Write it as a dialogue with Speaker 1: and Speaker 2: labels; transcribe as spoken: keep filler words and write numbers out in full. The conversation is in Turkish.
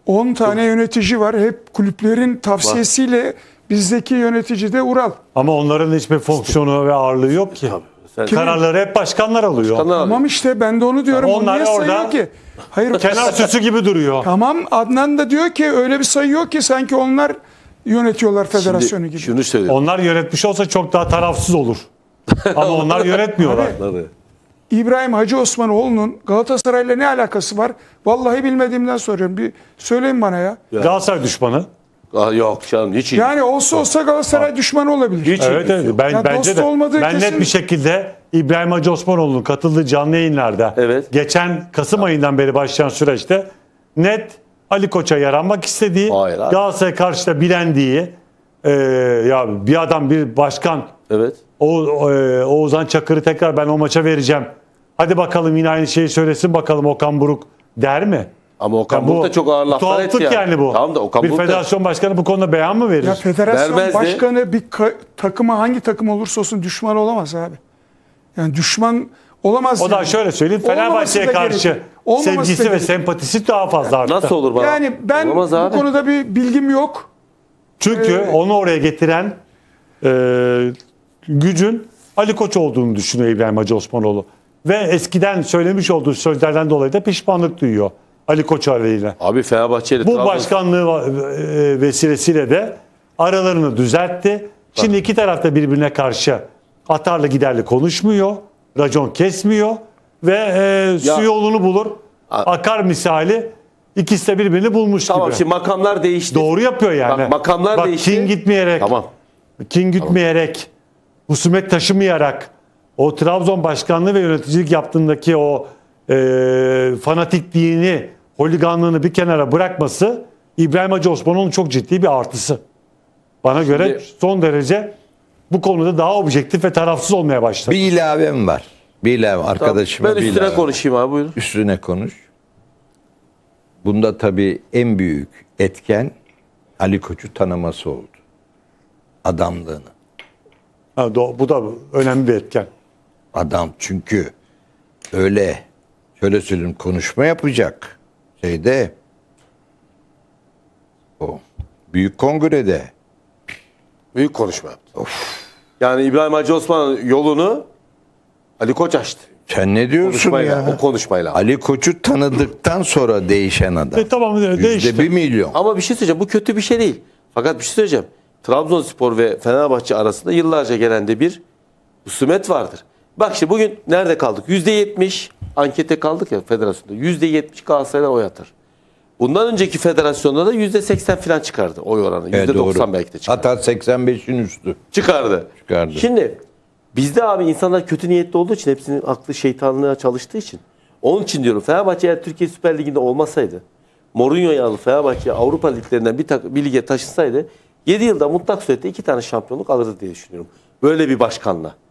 Speaker 1: on tane yönetici var. Hep kulüplerin tavsiyesiyle bizdeki yönetici de Ural.
Speaker 2: Ama onların hiçbir fonksiyonu ve ağırlığı yok ki.
Speaker 3: Sen-
Speaker 2: Kararları hep başkanlar alıyor.
Speaker 3: Başkanlar alıyor.
Speaker 1: Tamam işte ben de onu diyorum.
Speaker 2: Onlar
Speaker 1: Onu niye
Speaker 2: orada
Speaker 1: sayıyor ki? Hayır.
Speaker 2: Kenar süsü gibi duruyor.
Speaker 1: Tamam, Adnan da diyor ki öyle bir sayıyor ki sanki onlar yönetiyorlar federasyonu
Speaker 3: Şimdi
Speaker 1: gibi.
Speaker 3: şunu söyleyeyim.
Speaker 2: Onlar yönetmiş olsa çok daha tarafsız olur. Ama onlar yönetmiyorlar.
Speaker 3: Tabii.
Speaker 1: İbrahim Hacı Osmanoğlu'nun Galatasaray'la ne alakası var? Vallahi bilmediğimden soruyorum. Bir söyleyin bana ya.
Speaker 2: Galatasaray düşmanı.
Speaker 3: Aa, yok canım hiç iyi.
Speaker 1: Yani olsa olsa Galatasaray düşmanı olabilir.
Speaker 3: Hiç
Speaker 2: Evet, evet. Ben,
Speaker 1: Ya
Speaker 2: bence
Speaker 1: dost
Speaker 2: de.
Speaker 1: olmadığı
Speaker 2: Ben
Speaker 1: kesin.
Speaker 2: net bir şekilde İbrahim Hacı Osmanoğlu'nun katıldığı canlı yayınlarda
Speaker 3: Evet.
Speaker 2: geçen Kasım ayından beri başlayan süreçte net Ali Koç'a yaranmak istediği,
Speaker 3: Hayır abi.
Speaker 2: Galatasaray'a karşı da bilendiği, e, ya bir adam, bir başkan,
Speaker 3: Evet.
Speaker 2: o, e, Oğuzhan Çakır'ı tekrar ben o maça vereceğim. Hadi bakalım yine aynı şeyi söylesin bakalım Okan Buruk der mi?
Speaker 3: Ama Okan
Speaker 2: Ya
Speaker 3: Buruk da çok ağır laflar etti
Speaker 2: tuhaflık yani. bu.
Speaker 3: Tamam da Okan
Speaker 2: bir
Speaker 3: Buruk da-
Speaker 2: federasyon başkanı bu konuda beyan mı verir?
Speaker 1: Ya federasyon
Speaker 3: Vermezdi.
Speaker 1: başkanı bir ka- takıma hangi takım olursa olsun düşman olamaz abi. Yani düşman olamaz.
Speaker 2: O da
Speaker 1: yani.
Speaker 2: şöyle söyleyeyim,
Speaker 1: Olmaması
Speaker 2: Fenerbahçe'ye
Speaker 1: da
Speaker 2: karşı
Speaker 1: gerekir. Olmaması da
Speaker 2: sevgisi ve
Speaker 1: gerekir.
Speaker 2: sempatisi daha fazla arttı.
Speaker 3: Nasıl olur bana?
Speaker 1: Yani ben
Speaker 3: Olamaz
Speaker 1: bu
Speaker 3: abi.
Speaker 1: konuda bir bilgim yok.
Speaker 2: Çünkü
Speaker 1: Ee,
Speaker 2: onu oraya getiren e, gücün Ali Koç olduğunu düşünüyor İbrahim Hacı Osmanoğlu. Ve eskiden söylemiş olduğu sözlerden dolayı da pişmanlık duyuyor Ali Koç arayla.
Speaker 3: Abi Fenerbahçe ile
Speaker 2: Bu
Speaker 3: Trabzon-
Speaker 2: başkanlığı e, vesilesiyle de aralarını düzeltti. Şimdi iki taraf da birbirine karşı atarlı giderli konuşmuyor, racon kesmiyor ve e, su
Speaker 3: Ya-
Speaker 2: yolunu bulur.
Speaker 3: A-
Speaker 2: Akar misali ikisi de birbirini bulmuş
Speaker 3: Tamam
Speaker 2: gibi.
Speaker 3: şimdi makamlar değişti.
Speaker 2: Doğru yapıyor yani.
Speaker 3: Bak, makamlar
Speaker 2: Bak,
Speaker 3: değişti.
Speaker 2: kin gitmeyerek,
Speaker 3: Tamam.
Speaker 2: kin gitmeyerek, husumet taşımayarak, o Trabzon başkanlığı ve yöneticilik yaptığındaki o e, fanatikliğini, holiganlığını bir kenara bırakması İbrahim Hacı Osmanoğlu'nun çok ciddi bir artısı. Bana göre son derece bu konuda daha objektif ve tarafsız olmaya başladı.
Speaker 4: Bir ilavem var. Bir ilave arkadaşıma
Speaker 3: Ben
Speaker 4: bir
Speaker 3: üstüne
Speaker 4: ilave.
Speaker 3: konuşayım abi buyurun.
Speaker 4: Üstüne konuş. Bunda tabii en büyük etken Ali Koç'u tanıması oldu. Adamlığını.
Speaker 2: Ha, do- bu da önemli bir etken.
Speaker 4: Adam çünkü öyle şöyle söyleyeyim konuşma yapacak şeyde o büyük kongrede
Speaker 3: Büyük konuşma yaptı. Yani İbrahim Hacı Osman yolunu Ali Koç açtı.
Speaker 4: sen ne diyorsun
Speaker 3: Konuşmayla,
Speaker 4: ya?
Speaker 3: o konuşmayla.
Speaker 4: Ali Koç'u tanıdıktan sonra değişen adam.
Speaker 2: E, tamam
Speaker 4: Yüzde
Speaker 2: değişti.
Speaker 4: bir milyon.
Speaker 3: Ama bir şey söyleyeceğim. Bu kötü bir şey değil. Fakat bir şey söyleyeceğim. Trabzonspor ve Fenerbahçe arasında yıllarca gelen de bir husumet vardır. Bak işte bugün nerede kaldık? yüzde yetmiş ankete kaldık ya federasyonda. yüzde yetmiş Galatasaray'dan oy atar. Bundan önceki federasyonda da yüzde seksen falan çıkardı oy oranı.
Speaker 4: Evet,
Speaker 3: yüzde doksan
Speaker 4: doğru.
Speaker 3: belki de çıkardı.
Speaker 4: Hatta seksen beşin üstü.
Speaker 3: Çıkardı.
Speaker 4: Çıkardı.
Speaker 3: Şimdi bizde abi insanlar kötü niyetli olduğu için hepsinin aklı şeytanlığa çalıştığı için. Onun için diyorum Fenerbahçe eğer Türkiye Süper Ligi'nde olmasaydı Mourinho'yu alıp Fenerbahçe Avrupa liglerinden bir, tak, bir lige taşısaydı yedi yılda mutlak surette iki tane şampiyonluk alırdı diye düşünüyorum. Böyle bir başkanla.